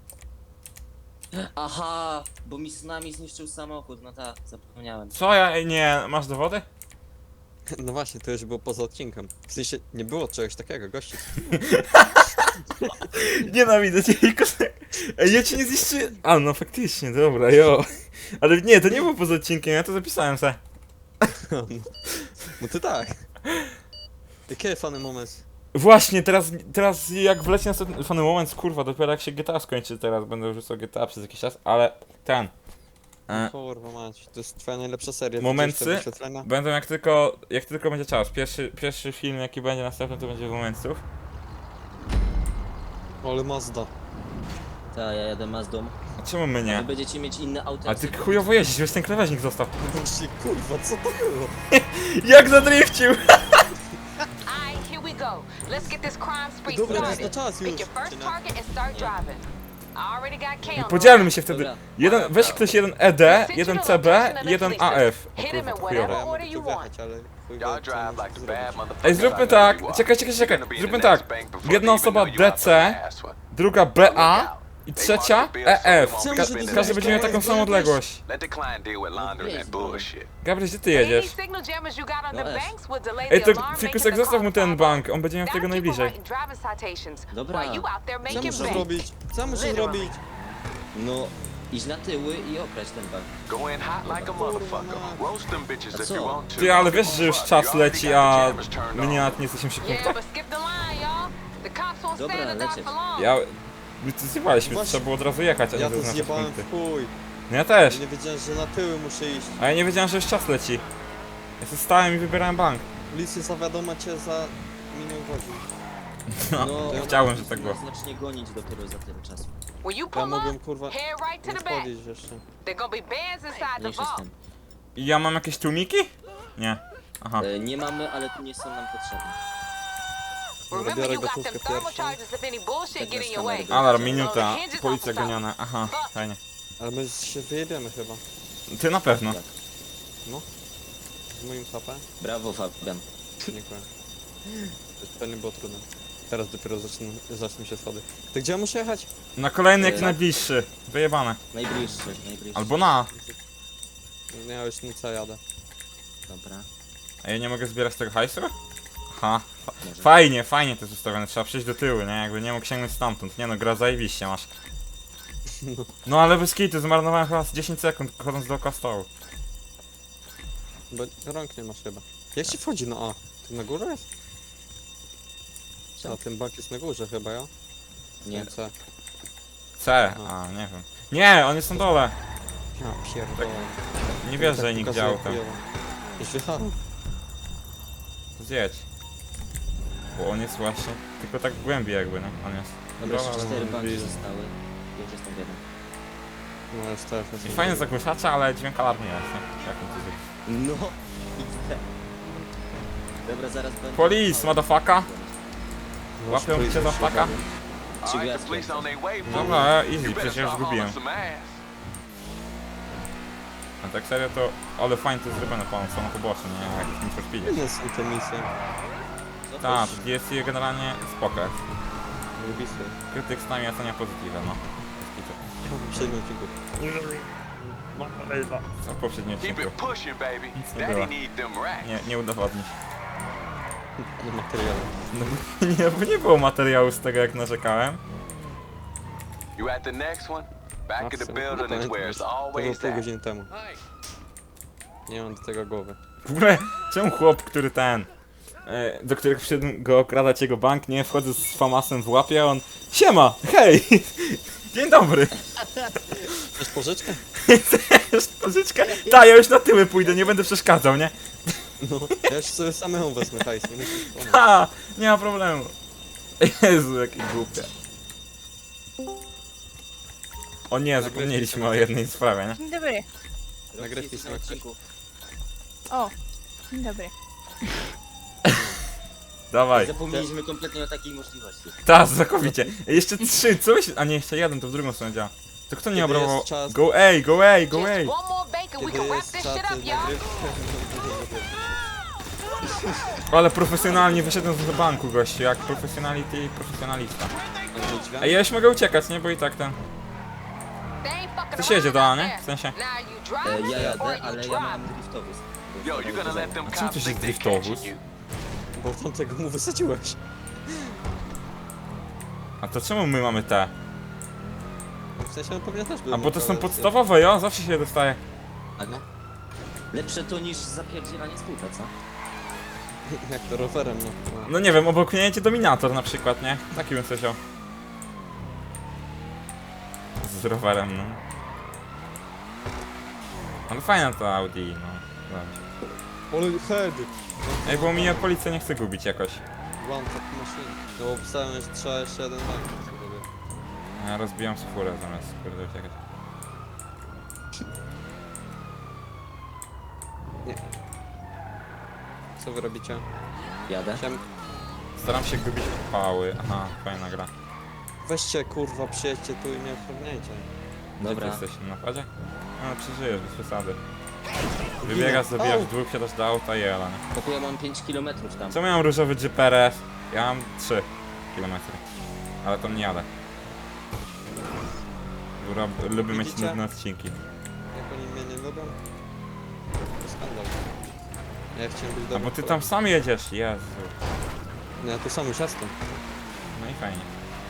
[SPEAKER 3] Aha, bo mi z nami zniszczył samochód, no tak, zapomniałem.
[SPEAKER 2] Co ja... ej, nie... Masz dowody?
[SPEAKER 1] No właśnie, to już było poza odcinkiem. W sensie, nie było czegoś takiego, gości.
[SPEAKER 2] Nienawidzę cię, Kosek. Ej, ja cię nie zniszczy... A, no faktycznie, dobra, jo. Ale nie, to nie było poza odcinkiem, ja to zapisałem se.
[SPEAKER 1] No ty tak. Jaki fany moment.
[SPEAKER 2] Właśnie, teraz, teraz jak wleci następny fany moment, kurwa, dopiero jak się G T A skończy, teraz będę rzucał G T A przez jakiś czas, ale ten. E,
[SPEAKER 1] Kurwa mać, to jest twoja najlepsza seria.
[SPEAKER 2] Momency?
[SPEAKER 1] Widzisz te wyświetlenia?
[SPEAKER 2] będą jak tylko, jak tylko będzie czas. Pierwszy, pierwszy film jaki będzie następny to będzie Momentów.
[SPEAKER 1] Ale Mazda.
[SPEAKER 3] Tak, ja jadę Mazdą.
[SPEAKER 2] A czemu my
[SPEAKER 3] Wy
[SPEAKER 2] nie?
[SPEAKER 3] będziecie mieć inne auta.
[SPEAKER 2] A ty chujowo jeździsz, weź ten krawężnik zostaw.
[SPEAKER 1] Właśnie, kurwa, co to było?
[SPEAKER 2] Jak zadrifcił!
[SPEAKER 4] Alright, here we go. Let's get this crime spree
[SPEAKER 1] Dobra, to jest
[SPEAKER 4] started.
[SPEAKER 1] na czas
[SPEAKER 4] Pick
[SPEAKER 1] już.
[SPEAKER 4] your first
[SPEAKER 1] czy nie?
[SPEAKER 4] target and start driving. I already got K on the
[SPEAKER 2] Podzielmy się wtedy.
[SPEAKER 3] Dobra.
[SPEAKER 2] Jeden, weź ktoś jeden E D, jeden C B, jeden A F. O
[SPEAKER 4] Hit him
[SPEAKER 2] kurwa,
[SPEAKER 4] in
[SPEAKER 2] chujowo.
[SPEAKER 4] whatever
[SPEAKER 1] Ja
[SPEAKER 4] order
[SPEAKER 1] mogę
[SPEAKER 4] you
[SPEAKER 1] tu
[SPEAKER 4] want.
[SPEAKER 1] wjechać, ale chuj
[SPEAKER 5] Y'all
[SPEAKER 1] wie, co
[SPEAKER 5] drive
[SPEAKER 1] mam
[SPEAKER 5] like
[SPEAKER 1] tu
[SPEAKER 5] the bad
[SPEAKER 1] zrobić.
[SPEAKER 5] motherfuckers.
[SPEAKER 2] Ej, zróbmy
[SPEAKER 5] I know
[SPEAKER 2] tak.
[SPEAKER 5] you are.
[SPEAKER 2] Czekaj, czekaj, czekaj.
[SPEAKER 5] You're gonna be in
[SPEAKER 2] Zróbmy
[SPEAKER 5] the next
[SPEAKER 2] tak.
[SPEAKER 5] bank before
[SPEAKER 2] Jedna
[SPEAKER 5] they even
[SPEAKER 2] osoba
[SPEAKER 5] know you have a
[SPEAKER 2] D C,
[SPEAKER 5] fucking ass one.
[SPEAKER 2] druga B A, I trzecia E F.
[SPEAKER 1] Czemu,
[SPEAKER 2] Ka
[SPEAKER 1] żeby
[SPEAKER 2] każdy będzie miał taką samą odległość.
[SPEAKER 5] Let the client deal with laundering that bullshit.
[SPEAKER 2] Gabriel, gdzie ty
[SPEAKER 4] Any
[SPEAKER 2] jedziesz?
[SPEAKER 4] signal jammers you got on
[SPEAKER 3] No
[SPEAKER 4] the
[SPEAKER 3] S.
[SPEAKER 4] banks would delay
[SPEAKER 2] Ej,
[SPEAKER 4] the
[SPEAKER 2] to
[SPEAKER 4] alarm,
[SPEAKER 2] Fikusek,
[SPEAKER 4] making the
[SPEAKER 2] zostaw mu
[SPEAKER 4] call
[SPEAKER 2] ten
[SPEAKER 4] pop
[SPEAKER 2] bank,
[SPEAKER 4] up.
[SPEAKER 2] on będzie miał tego
[SPEAKER 4] That'll keep 'em
[SPEAKER 2] najbliżej.
[SPEAKER 4] writing driving citations
[SPEAKER 3] Dobra.
[SPEAKER 4] while you out there
[SPEAKER 1] Co
[SPEAKER 4] making
[SPEAKER 1] muszę
[SPEAKER 4] bank.
[SPEAKER 1] zrobić? Co muszę
[SPEAKER 4] Literally.
[SPEAKER 1] zrobić?
[SPEAKER 3] No, idź na tyły i okraść ten bank.
[SPEAKER 5] Go in hot like a motherfucker. Roast them bitches if you want to.
[SPEAKER 2] Ty, ale wiesz, że już czas leci, a my nie, nawet nie jesteśmy przy
[SPEAKER 4] Yeah,
[SPEAKER 2] punktach?
[SPEAKER 4] but skip the line, y'all. The cops won't
[SPEAKER 3] Dobra,
[SPEAKER 4] stand to die
[SPEAKER 3] lecieć.
[SPEAKER 4] for long.
[SPEAKER 2] Ja... My to zjebaliśmy,
[SPEAKER 1] Właśnie-
[SPEAKER 2] trzeba było od razu jechać, a nie
[SPEAKER 1] Ja to
[SPEAKER 2] zaznaczać
[SPEAKER 1] zjebałem
[SPEAKER 2] punkty.
[SPEAKER 1] w chuj.
[SPEAKER 2] No ja też,
[SPEAKER 1] Nie wiedziałem, że na tyły muszę iść.
[SPEAKER 2] a ja nie wiedziałem, że już czas leci. Ja sobie stałem i wybierałem bank.
[SPEAKER 1] Policja zawiadoma cię za milion godzin.
[SPEAKER 2] No,
[SPEAKER 1] ja-
[SPEAKER 2] chciałem, że tak było.
[SPEAKER 3] Zacznie gonić dopiero za tyle czasu.
[SPEAKER 4] When you
[SPEAKER 1] Ja
[SPEAKER 4] pull
[SPEAKER 1] mogłem
[SPEAKER 4] up,
[SPEAKER 1] kurwa
[SPEAKER 4] head right to
[SPEAKER 1] nie
[SPEAKER 4] the back.
[SPEAKER 1] wchodzić jeszcze.
[SPEAKER 4] There gonna be bands inside the
[SPEAKER 3] Mniejsza z
[SPEAKER 4] vault.
[SPEAKER 3] tym.
[SPEAKER 2] I ja mam jakieś tłumiki? Nie. Aha.
[SPEAKER 3] E, nie mamy, ale tu nie są nam potrzebne.
[SPEAKER 4] Remember,
[SPEAKER 1] biorę
[SPEAKER 4] you got
[SPEAKER 1] gotówkę
[SPEAKER 4] them thermal
[SPEAKER 1] pierwszą.
[SPEAKER 4] charges if any bullshit
[SPEAKER 3] Tak
[SPEAKER 4] get in
[SPEAKER 3] bez
[SPEAKER 4] your way.
[SPEAKER 3] kamery.
[SPEAKER 2] Alarm, minuta,
[SPEAKER 4] Hinges off
[SPEAKER 2] policja
[SPEAKER 4] the top.
[SPEAKER 2] goniona, aha, fajnie.
[SPEAKER 1] Ale my się wyjebiemy chyba.
[SPEAKER 2] Ty na pewno.
[SPEAKER 3] Tak.
[SPEAKER 1] Z moim H P?
[SPEAKER 3] Brawo, Fabian.
[SPEAKER 1] Dziękuję. To nie było trudne. Teraz dopiero zaczną, zaczną się schody. To gdzie ja muszę jechać?
[SPEAKER 2] Na kolejny jaki
[SPEAKER 3] E,
[SPEAKER 2] najbliższy. Wyjebane.
[SPEAKER 3] Najbliższy, najbliższy.
[SPEAKER 2] Albo na.
[SPEAKER 1] Nie, ja już nic jadę.
[SPEAKER 3] Dobra,
[SPEAKER 2] A ja nie mogę zbierać tego hajsu? Aha. Fa
[SPEAKER 3] może.
[SPEAKER 2] fajnie, fajnie to jest ustawione, trzeba przejść do tyłu, nie? Jakby nie mógł sięgnąć stamtąd. Nie no, gra zajebiście masz. No ale bez kitu, zmarnowałem chyba z dziesięć sekund chodząc dookoła stołu.
[SPEAKER 1] Bo rąk nie masz chyba. Jak się wchodzi na A? To na górze jest?
[SPEAKER 3] Co?
[SPEAKER 1] A ten bank jest na górze chyba, ja?
[SPEAKER 3] Nie.
[SPEAKER 1] Ten C.
[SPEAKER 2] C, a nie wiem. Nie, on jest na dole.
[SPEAKER 1] Ja pierdolę.
[SPEAKER 2] Nie wiesz,
[SPEAKER 1] Tak
[SPEAKER 2] że nikt
[SPEAKER 1] pokazuje
[SPEAKER 2] działał tam.
[SPEAKER 1] chujowo. Już wjechałem.
[SPEAKER 2] Zjedź. Bo on jest właśnie, tylko tak głębiej jakby, nie? On jest.
[SPEAKER 3] Dobra, jeszcze
[SPEAKER 2] ale
[SPEAKER 3] cztery
[SPEAKER 2] on
[SPEAKER 3] banki
[SPEAKER 2] bliżej.
[SPEAKER 3] zostały. Już jestem w jednym.
[SPEAKER 1] No jest też. jest
[SPEAKER 2] I fajne zagłuszacze, ale dźwięk alarmu nie jest, nie? Jak on to zrobi?
[SPEAKER 3] No, idę. Dobra, zaraz będę...
[SPEAKER 2] Police, motherfucker!
[SPEAKER 1] No,
[SPEAKER 2] Łapią
[SPEAKER 1] policja
[SPEAKER 2] cię za
[SPEAKER 1] się
[SPEAKER 2] ptaka?
[SPEAKER 1] bawi.
[SPEAKER 5] All right, the police on their way, fool.
[SPEAKER 2] Dobra, easy,
[SPEAKER 5] You better
[SPEAKER 2] przecież ja już
[SPEAKER 5] start
[SPEAKER 2] zgubiłem.
[SPEAKER 5] hauling some ass.
[SPEAKER 2] A tak serio to, ale fajnie to jest zrobione, pan są na poboczu, nie? Jak Need for Speedzie.
[SPEAKER 1] Inne są te misje.
[SPEAKER 3] No
[SPEAKER 2] Tak,
[SPEAKER 3] to
[SPEAKER 2] D S C generalnie spoko jest.
[SPEAKER 1] Lubisy.
[SPEAKER 2] Krytyk z nami ocenia pozytywę, no. Bez kitu.
[SPEAKER 1] Przedmiot figur.
[SPEAKER 2] Co w poprzednim
[SPEAKER 5] Keep
[SPEAKER 2] odcinku?
[SPEAKER 5] it pushing, baby.
[SPEAKER 2] Nic nie
[SPEAKER 5] Daddy
[SPEAKER 2] było.
[SPEAKER 5] need them racks.
[SPEAKER 2] Nie, nie udowodnić.
[SPEAKER 1] Nie materiału.
[SPEAKER 2] No bo nie, bo nie było materiału z tego jak narzekałem.
[SPEAKER 5] You at the next one? Back at the building is where it's
[SPEAKER 1] To było
[SPEAKER 5] always
[SPEAKER 1] pół
[SPEAKER 5] at.
[SPEAKER 1] godziny temu. Nie mam do tego głowy.
[SPEAKER 2] W ogóle, czemu chłop, który ten, e, do którego przyszedł go okradać jego bank, nie? Wchodzę z famasem w łapie, a on siema, hej, dzień dobry,
[SPEAKER 1] Chcesz pożyczkę?
[SPEAKER 2] chcesz pożyczkę? Ta, ja już na tyły pójdę, nie będę przeszkadzał, nie?
[SPEAKER 1] No. Ja już sobie samemu wezmę hajs, nie musisz pomóc.
[SPEAKER 2] Ha, nie ma problemu. Jezu, jakie głupie. O nie, zapomnieliśmy o jednej sprawie, nie?
[SPEAKER 6] Dzień dobry.
[SPEAKER 1] Nagrywki
[SPEAKER 3] jest
[SPEAKER 1] są
[SPEAKER 3] na
[SPEAKER 1] jak
[SPEAKER 3] odcinku.
[SPEAKER 6] O, dzień dobry.
[SPEAKER 2] Dawaj.
[SPEAKER 3] Zapomnieliśmy kompletnie o takiej możliwości.
[SPEAKER 2] Ta, znakomicie. Jeszcze trzy, co myślisz? A nie, jeszcze jeden, to w drugą stronę działa. To kto nie
[SPEAKER 1] Kiedy
[SPEAKER 2] obrabował?
[SPEAKER 1] jest czas-
[SPEAKER 2] Go A, go A, go A.
[SPEAKER 4] Just one more bacon, we
[SPEAKER 1] Kiedy
[SPEAKER 4] can wrap
[SPEAKER 1] jest
[SPEAKER 4] this
[SPEAKER 1] czas
[SPEAKER 4] shit up, y'all.
[SPEAKER 1] nagrywki?
[SPEAKER 2] Ale profesjonalnie wyszedłem z banku, gościu, jak profesjonality i profesjonalista. A ja już mogę uciekać, nie? Bo i tak ten...
[SPEAKER 4] They ain't fucking
[SPEAKER 2] Ktoś jedzie
[SPEAKER 4] around
[SPEAKER 2] do A,
[SPEAKER 4] out
[SPEAKER 2] nie?
[SPEAKER 4] there.
[SPEAKER 2] W sensie...
[SPEAKER 4] Now you
[SPEAKER 3] E,
[SPEAKER 4] driving
[SPEAKER 3] ja
[SPEAKER 4] or
[SPEAKER 3] jadę,
[SPEAKER 4] you
[SPEAKER 3] ale ja
[SPEAKER 4] driving?
[SPEAKER 3] mam driftowóz.
[SPEAKER 5] Yo, you gonna let them
[SPEAKER 2] A czemu to
[SPEAKER 5] cops
[SPEAKER 2] jest
[SPEAKER 5] think they
[SPEAKER 2] driftowóz?
[SPEAKER 5] catching you?
[SPEAKER 1] Bo tamtego mu wysadziłeś.
[SPEAKER 2] A to czemu my mamy te?
[SPEAKER 1] W sensie on pewnie też był.
[SPEAKER 2] A bo to są
[SPEAKER 1] ale-
[SPEAKER 2] podstawowe, jo? Zawsze się je dostaje.
[SPEAKER 3] Aha. Lepsze to niż zapierdzielanie z kółka, co?
[SPEAKER 1] Jak to rowerem, no. no.
[SPEAKER 2] No nie wiem, obok mnie jedzie Dominator na przykład, nie? Taki bym sobie wziął. Z rowerem, no. Ale fajna to Audi, no. Dobrze.
[SPEAKER 1] Ale head!
[SPEAKER 2] Ej, bo mnie policja nie chce gubić jakoś.
[SPEAKER 1] One tap machine. No bo pisałem, że trzeba jeszcze jeden bank.
[SPEAKER 2] A ja rozbijam skórę zamiast kurde uciekać.
[SPEAKER 1] Co wy robicie?
[SPEAKER 3] Jadę.
[SPEAKER 1] Chciałem...
[SPEAKER 2] Staram się gubić pały. Aha, fajna gra.
[SPEAKER 1] Weźcie kurwa, przyjedźcie tu i mnie ochroniajcie.
[SPEAKER 2] Gdzie ty
[SPEAKER 3] Dobra.
[SPEAKER 2] jesteś? Na napadzie? No, przeżyjesz, bez przesady. Wybiegasz, zabijasz
[SPEAKER 1] Au!
[SPEAKER 2] dwóch, siadasz do auta i jela, nie?
[SPEAKER 3] Tylko ja mam pięć kilometrów tam.
[SPEAKER 2] Co miałem różowy Jeep R S? Ja mam trzy kilometry. Ale tam nie jadę. Dobra, lubię mieć
[SPEAKER 1] Widzicie?
[SPEAKER 2] nudne odcinki.
[SPEAKER 1] Jak oni mnie nie lubią? To skandal. Ja chciałem być
[SPEAKER 2] A
[SPEAKER 1] dobry.
[SPEAKER 2] bo ty tam sam jedziesz, Jezu.
[SPEAKER 1] No ja tu sam już jestem.
[SPEAKER 2] No i fajnie.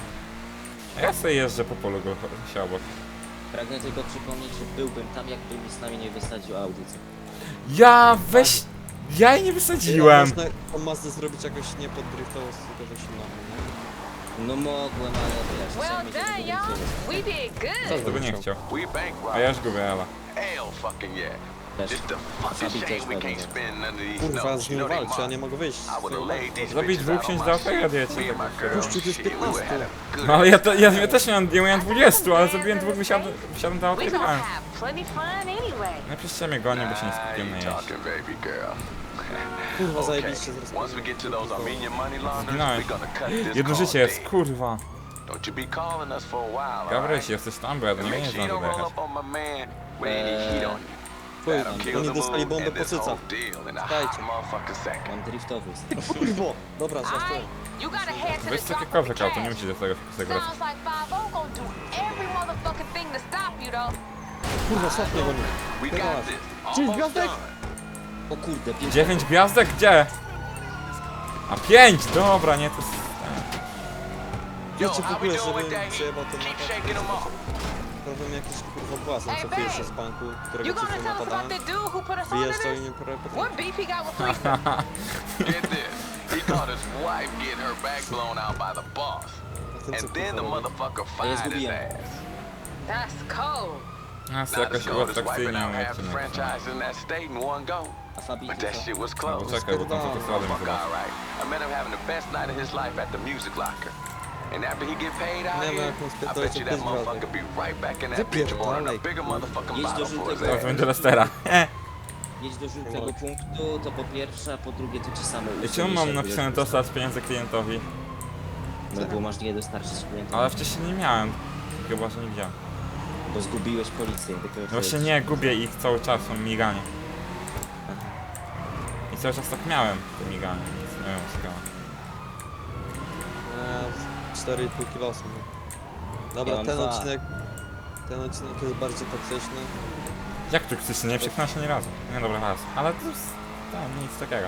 [SPEAKER 2] A ja sobie jeżdżę po polu go się obok.
[SPEAKER 3] Pragnę tylko przypomnieć, że byłbym tam, jakby mi z nami nie wysadził audycy.
[SPEAKER 2] Ja weź... Ja jej nie wysadziłem!
[SPEAKER 1] Można tą Mazdę zrobić jakoś nie pod driftową, tylko dość nową, nie?
[SPEAKER 3] No mogłem, ale wiesz,
[SPEAKER 4] Well
[SPEAKER 3] chciałem mieć
[SPEAKER 4] done,
[SPEAKER 3] tego
[SPEAKER 4] y'all.
[SPEAKER 3] więcej.
[SPEAKER 4] We did
[SPEAKER 1] Co
[SPEAKER 4] good.
[SPEAKER 2] Tego nie chciał.
[SPEAKER 5] We bankrupt.
[SPEAKER 2] A ja już gubię, Ela.
[SPEAKER 5] Hell fucking yeah.
[SPEAKER 3] Też.
[SPEAKER 5] Just the fucking
[SPEAKER 3] Fabi też
[SPEAKER 5] shame we can't
[SPEAKER 3] pewnie.
[SPEAKER 5] spend none of these
[SPEAKER 1] Kurwa,
[SPEAKER 5] notes.
[SPEAKER 1] z
[SPEAKER 5] You
[SPEAKER 1] nim
[SPEAKER 5] know they
[SPEAKER 1] walczy, ja
[SPEAKER 5] mine.
[SPEAKER 1] nie mogę wyjść.
[SPEAKER 5] I would have laid these
[SPEAKER 2] Zabić
[SPEAKER 5] bitches
[SPEAKER 2] dwóch
[SPEAKER 5] out on
[SPEAKER 2] księć
[SPEAKER 5] my
[SPEAKER 2] do
[SPEAKER 5] shit.
[SPEAKER 2] afera, wiecie,
[SPEAKER 5] Me and
[SPEAKER 2] tak
[SPEAKER 5] my
[SPEAKER 2] się
[SPEAKER 5] girl,
[SPEAKER 1] Gościu, to jest
[SPEAKER 5] shit, we would have
[SPEAKER 1] piętnaście.
[SPEAKER 5] had a good
[SPEAKER 2] No ale ja, to, ja, ja też miałem, ja miałem dwadzieścia, ale zabiłem dwóch, wysiadłem, wysiadłem do auta
[SPEAKER 4] We
[SPEAKER 2] i
[SPEAKER 4] gonna
[SPEAKER 2] jechałem.
[SPEAKER 4] have plenty fun anyway.
[SPEAKER 2] No przecież mnie gonię, bo się nie
[SPEAKER 5] Nah,
[SPEAKER 2] skupiłem na
[SPEAKER 5] you
[SPEAKER 2] jeździe.
[SPEAKER 5] talking, baby girl.
[SPEAKER 1] Kurwa,
[SPEAKER 5] Okay,
[SPEAKER 1] zajebiście zaraz.
[SPEAKER 5] once we get to those Armenian money launderers,
[SPEAKER 2] Zginąłem.
[SPEAKER 5] we're gonna cut this
[SPEAKER 2] Jedno
[SPEAKER 5] call
[SPEAKER 2] życie jest,
[SPEAKER 5] dead.
[SPEAKER 2] kurwa.
[SPEAKER 5] Don't you be calling us for a while,
[SPEAKER 2] Gabryś,
[SPEAKER 5] alright?
[SPEAKER 2] jesteś tam, bo ja do
[SPEAKER 5] And
[SPEAKER 2] niej
[SPEAKER 5] make
[SPEAKER 2] nie
[SPEAKER 5] sure you
[SPEAKER 2] zdążę
[SPEAKER 5] don't roll
[SPEAKER 2] dojechać.
[SPEAKER 5] up on my man with any heat on you.
[SPEAKER 1] Chuj,
[SPEAKER 5] That'll kill
[SPEAKER 1] oni
[SPEAKER 5] the
[SPEAKER 1] dostali
[SPEAKER 5] mood
[SPEAKER 1] bombę
[SPEAKER 5] and
[SPEAKER 1] po
[SPEAKER 5] this whole
[SPEAKER 1] cycach.
[SPEAKER 5] deal in a
[SPEAKER 1] Dajcie.
[SPEAKER 5] hot motherfucking second.
[SPEAKER 3] Mam driftowy.
[SPEAKER 1] Kurwo! Dobra,
[SPEAKER 4] Alright,
[SPEAKER 1] żartuję.
[SPEAKER 4] you gotta head to
[SPEAKER 2] Weź
[SPEAKER 4] the
[SPEAKER 2] takie
[SPEAKER 4] drop with
[SPEAKER 2] kozak
[SPEAKER 4] the
[SPEAKER 2] auto, nie
[SPEAKER 4] cash.
[SPEAKER 2] musisz do tego tego grać.
[SPEAKER 4] Sounds like five O gonna do every motherfucking thing to stop you though.
[SPEAKER 1] Kurwa, szaf mnie goni.
[SPEAKER 5] We
[SPEAKER 1] Teraz.
[SPEAKER 5] got this.
[SPEAKER 1] Cześć,
[SPEAKER 5] Almost
[SPEAKER 1] gwiazdek!
[SPEAKER 5] done.
[SPEAKER 3] O kurde, pięć.
[SPEAKER 2] Dziewięć gwiazdek? Gdzie? A pięć! Dobra, nie, to jest...
[SPEAKER 5] Yo,
[SPEAKER 1] Wiecie w
[SPEAKER 5] how we
[SPEAKER 1] ogóle,
[SPEAKER 5] doing with
[SPEAKER 1] żebym
[SPEAKER 5] that
[SPEAKER 1] przejebał
[SPEAKER 5] heat?
[SPEAKER 1] ten
[SPEAKER 5] Keep
[SPEAKER 1] napad?
[SPEAKER 5] shaking them off.
[SPEAKER 1] Problem jakiś kurwa błazem,
[SPEAKER 4] Ej,
[SPEAKER 1] co
[SPEAKER 4] babe!
[SPEAKER 1] wyjeżdża z banku, którego
[SPEAKER 4] You
[SPEAKER 1] przed
[SPEAKER 4] gonna
[SPEAKER 1] chwilą
[SPEAKER 4] tell us about
[SPEAKER 1] napadałem.
[SPEAKER 4] the dude who put us on
[SPEAKER 1] Wyjeżdżał i
[SPEAKER 4] this?
[SPEAKER 1] nie
[SPEAKER 4] What
[SPEAKER 1] potrafił.
[SPEAKER 4] beef he got with Fleetwood?
[SPEAKER 5] Get this. He caught his wife getting her back blown out by the boss. And then the motherfucker fired his
[SPEAKER 3] zgubiłem.
[SPEAKER 5] ass.
[SPEAKER 4] That's cold.
[SPEAKER 2] Nas
[SPEAKER 5] Not as
[SPEAKER 2] jakoś
[SPEAKER 5] cold as wiping
[SPEAKER 2] uatrakcyjniał
[SPEAKER 5] out half the
[SPEAKER 2] odcinek.
[SPEAKER 5] franchise in that state in one go.
[SPEAKER 3] A Fabi,
[SPEAKER 5] But
[SPEAKER 3] ty
[SPEAKER 5] that
[SPEAKER 3] co?
[SPEAKER 5] shit was
[SPEAKER 2] No,
[SPEAKER 5] close.
[SPEAKER 2] bo czekaj, bo tam co to słabe mi
[SPEAKER 5] Fuck,
[SPEAKER 2] zobaczy.
[SPEAKER 5] alright. I met him having the best night of his life at the music locker. And after he get paid out
[SPEAKER 1] Nie, no,
[SPEAKER 5] here,
[SPEAKER 1] jak mu
[SPEAKER 5] I
[SPEAKER 1] spierdolę,
[SPEAKER 5] bet you
[SPEAKER 1] to
[SPEAKER 5] that
[SPEAKER 1] pięć
[SPEAKER 5] motherfucker be right back in that bitch ordering a
[SPEAKER 1] Wypierdalaj.
[SPEAKER 5] bigger motherfucking
[SPEAKER 3] Jedź do
[SPEAKER 5] bottle for his
[SPEAKER 3] żółtego.
[SPEAKER 2] Teraz
[SPEAKER 5] ass.
[SPEAKER 2] będzie Lestera.
[SPEAKER 3] Jedź do żółtego punktu, to po pierwsze, a po drugie to ci samo
[SPEAKER 2] I czemu mam napisane to z pieniędzy klientowi?
[SPEAKER 3] No bo masz nie dostarczyć klientom,
[SPEAKER 2] Ale wcześniej nie miałem. Chyba, że nie widziałem.
[SPEAKER 3] bo zgubiłeś policję. dopiero
[SPEAKER 2] No właśnie
[SPEAKER 3] co-
[SPEAKER 2] nie, gubię ich cały czas, są miganie. I cały czas tak miałem, te miganie, więc nie wiem, skala.
[SPEAKER 1] cztery i pół kilo są. Dobra,
[SPEAKER 3] Ja mam
[SPEAKER 1] ten
[SPEAKER 3] dwa.
[SPEAKER 1] odcinek... Ten odcinek jest bardziej toksyczny.
[SPEAKER 2] Jak tu chcesz, nie przekonałem się ani razu. Nie, dobra, raz. Ale to jest... tam, nic takiego.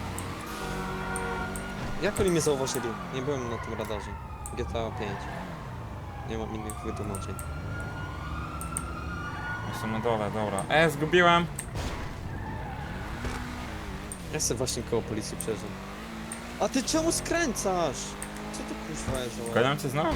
[SPEAKER 1] Jak oni mnie zauważyli? Nie byłem na tym radarze. G T A pięć. Nie mam innych wytłumaczeń.
[SPEAKER 2] Jestem na dole, dobra. E, zgubiłem!
[SPEAKER 1] Ja sobie właśnie koło policji przeżył. A ty czemu skręcasz? Co to kurwa jest za...
[SPEAKER 2] Goniam cię znowu?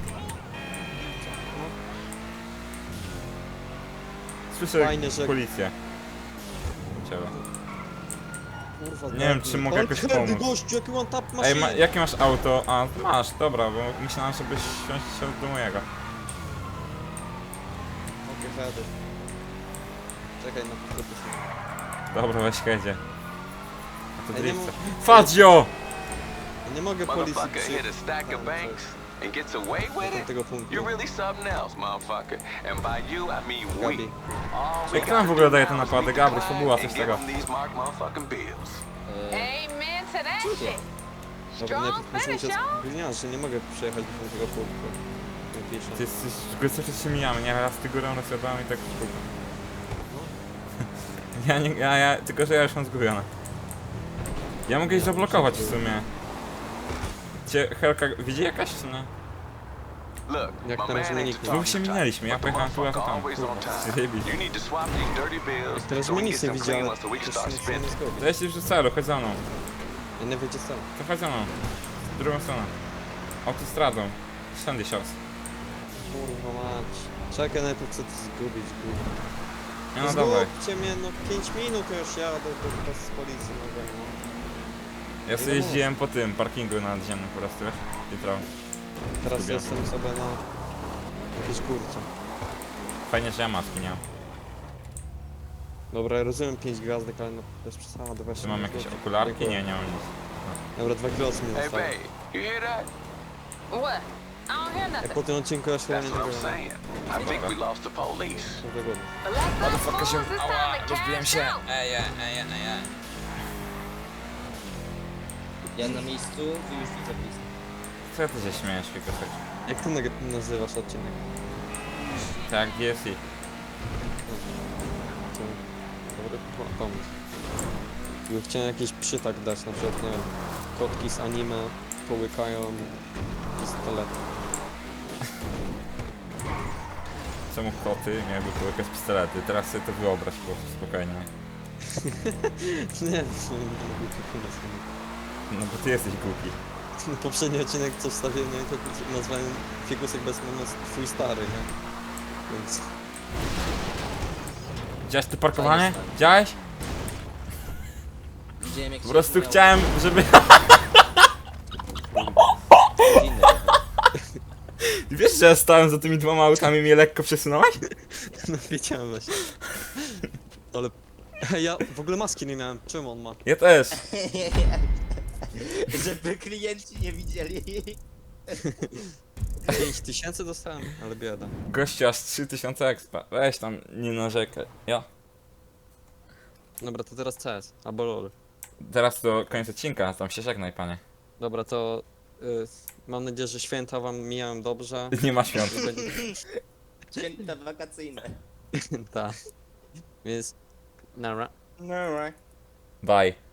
[SPEAKER 2] Słyszę
[SPEAKER 1] Fajnie, że-
[SPEAKER 2] policję. Ciebie.
[SPEAKER 1] Kurwa,
[SPEAKER 2] Nie wiem, czy mogę jakoś
[SPEAKER 1] Kiedy,
[SPEAKER 2] pomóc.
[SPEAKER 1] gościu, jaki one tap
[SPEAKER 2] Ej,
[SPEAKER 1] machine?
[SPEAKER 2] ma, jakie masz auto? A, masz, dobra, bo myślałem, żebyś wsiąść się do mojego.
[SPEAKER 1] Okej, heady. Czekaj na podkopy.
[SPEAKER 2] Dobra, weź jedzie. A to
[SPEAKER 1] Ej, nie
[SPEAKER 2] drift.
[SPEAKER 1] mów-
[SPEAKER 2] Fadzio!
[SPEAKER 1] Nie mogę policji
[SPEAKER 5] Motherfucker hit a
[SPEAKER 1] przyjechać.
[SPEAKER 5] stack of banks and gets away with
[SPEAKER 1] Do
[SPEAKER 5] it.
[SPEAKER 1] tego punktu.
[SPEAKER 5] You're really something else, motherfucker. And by you, I mean we.
[SPEAKER 1] Gabi.
[SPEAKER 5] All we
[SPEAKER 2] Jak
[SPEAKER 5] got
[SPEAKER 2] tam w
[SPEAKER 5] to
[SPEAKER 2] ogóle
[SPEAKER 5] do
[SPEAKER 2] daje
[SPEAKER 5] now
[SPEAKER 2] te
[SPEAKER 5] is
[SPEAKER 2] napady?
[SPEAKER 5] meet the
[SPEAKER 2] Gabryś,
[SPEAKER 5] client
[SPEAKER 2] fabuła, coś
[SPEAKER 5] and give
[SPEAKER 2] tego.
[SPEAKER 5] them these mark motherfucking bills.
[SPEAKER 3] E,
[SPEAKER 4] Amen to that
[SPEAKER 3] Czuję.
[SPEAKER 4] shit.
[SPEAKER 1] Dobra,
[SPEAKER 4] Strong
[SPEAKER 1] najpierw muszę
[SPEAKER 4] finish,
[SPEAKER 1] uciec
[SPEAKER 4] y'all.
[SPEAKER 1] z gliniarza, że nie mogę przejechać do tego punktu. Nie piszę.
[SPEAKER 2] Ty jesteś, go cały czas się mijamy, nie? Raz ty górą, raz ja dałem i tak w kółko. Ja nie, ja, ja, tylko że ja już mam zgubione. Ja mogę ich zablokować w sumie. Cię, Helka, widzi jakaś czy nie?
[SPEAKER 5] Look,
[SPEAKER 1] Jak
[SPEAKER 5] my
[SPEAKER 1] tam
[SPEAKER 5] man ain't
[SPEAKER 1] zmienili?
[SPEAKER 5] the
[SPEAKER 2] Dwóch się
[SPEAKER 5] talking
[SPEAKER 2] minęliśmy, ja
[SPEAKER 5] type, but the
[SPEAKER 2] pojechałem tu, a ty
[SPEAKER 5] motherfucker
[SPEAKER 2] tam.
[SPEAKER 5] always on
[SPEAKER 2] Kurwa,
[SPEAKER 5] time.
[SPEAKER 2] zjebić.
[SPEAKER 5] You need to swap these dirty bills
[SPEAKER 1] Teraz
[SPEAKER 5] so we
[SPEAKER 1] mnie
[SPEAKER 5] can
[SPEAKER 1] nic
[SPEAKER 5] get
[SPEAKER 1] nie
[SPEAKER 5] some clean
[SPEAKER 1] widziałem.
[SPEAKER 5] ones so we can
[SPEAKER 1] Jeszcze
[SPEAKER 5] start
[SPEAKER 1] nic nie
[SPEAKER 5] spending.
[SPEAKER 1] zrobić.
[SPEAKER 2] To jeśli już do celu, chodź za mną.
[SPEAKER 1] Ja nie wyjdzie sam.
[SPEAKER 2] To chodź za mną. W drugą stronę. Autostradą. Sandy Shores.
[SPEAKER 1] Kurwa mać. Czekaj, najpierw chcę to zgubić, kurwa.
[SPEAKER 2] Nie no dawaj.
[SPEAKER 1] Zgubcie mnie, no pięć minut już jadę do, do, z policji mogę, no.
[SPEAKER 2] Ja sobie jeździłem po tym parkingu nadziemnym po prostu, wiesz? Jutro.
[SPEAKER 1] Teraz
[SPEAKER 2] Zgubiłem.
[SPEAKER 1] jestem sobie na jakiejś górce.
[SPEAKER 2] Fajnie, że ja maski nie mam.
[SPEAKER 1] Dobra, ja rozumiem pięć gwiazdek, ale no bez przesady właśnie.
[SPEAKER 2] Czy mam jakieś okularki? Nie, nie mam nic.
[SPEAKER 1] Dobra, dwa kilo mi
[SPEAKER 5] Hey,
[SPEAKER 1] zostało.
[SPEAKER 5] babe, you hear that?
[SPEAKER 4] What? I don't hear
[SPEAKER 1] Jak
[SPEAKER 4] nothing.
[SPEAKER 1] po tym odcinku ja szło nie
[SPEAKER 5] That's what
[SPEAKER 1] tego
[SPEAKER 5] I'm saying. I think we lost the police.
[SPEAKER 1] wygodnie.
[SPEAKER 4] But let's go,
[SPEAKER 2] Motherfucker się...
[SPEAKER 4] fools. It's
[SPEAKER 2] Ała,
[SPEAKER 4] time to
[SPEAKER 2] rozbiłem
[SPEAKER 4] cash
[SPEAKER 2] się.
[SPEAKER 4] out.
[SPEAKER 2] Ej, ej, ej, ej, ej.
[SPEAKER 3] ja na miejscu, wy już widzę blisko.
[SPEAKER 2] Co ty się śmiejesz, Fikosek?
[SPEAKER 1] Jak ty nag- nazywasz odcinek?
[SPEAKER 2] Tak, D S I.
[SPEAKER 1] To dobry po- pomysł. Już chciałem jakiś przytak dać, na przykład, nie wiem, kotki z anime połykają pistolet.
[SPEAKER 2] Czemu koty miałyby połykać pistolety? Teraz sobie to wyobraź po prostu spokojnie.
[SPEAKER 1] Nie wiem, głupi pomysł.
[SPEAKER 2] No bo ty jesteś głupi.
[SPEAKER 1] Poprzedni odcinek, co wstawiłem, nie, to nazwałem Fikusek bez moment twój stary, nie? Więc...
[SPEAKER 2] Widziałeś to parkowanie?
[SPEAKER 3] Fajnie stary.
[SPEAKER 2] Widziałeś?
[SPEAKER 3] Widziałem jak
[SPEAKER 2] Po
[SPEAKER 3] się
[SPEAKER 2] prostu
[SPEAKER 3] miał-
[SPEAKER 2] chciałem, żeby...
[SPEAKER 3] Inny.
[SPEAKER 2] Wiesz, że ja stałem za tymi dwoma autami i mnie lekko przesunąłeś?
[SPEAKER 1] No wiedziałem właśnie. Ale... Ja w ogóle maski nie miałem, czym on ma?
[SPEAKER 2] Ja też.
[SPEAKER 3] Żeby klienci nie widzieli.
[SPEAKER 1] pięć tysięcy dostałem, ale bieda.
[SPEAKER 2] Gościu aż trzy tysiące expa. Weź tam, nie narzekaj. Ja.
[SPEAKER 1] Dobra, to teraz C S, albo LOL.
[SPEAKER 2] Teraz to koniec odcinka, tam się żegnaj, panie.
[SPEAKER 1] Dobra, to... Y, mam nadzieję, że święta wam mijają dobrze.
[SPEAKER 2] Nie ma świąt.
[SPEAKER 1] Że będzie-
[SPEAKER 3] Święta wakacyjne.
[SPEAKER 1] Tak. Więc... Nara.
[SPEAKER 3] No right.
[SPEAKER 2] Bye.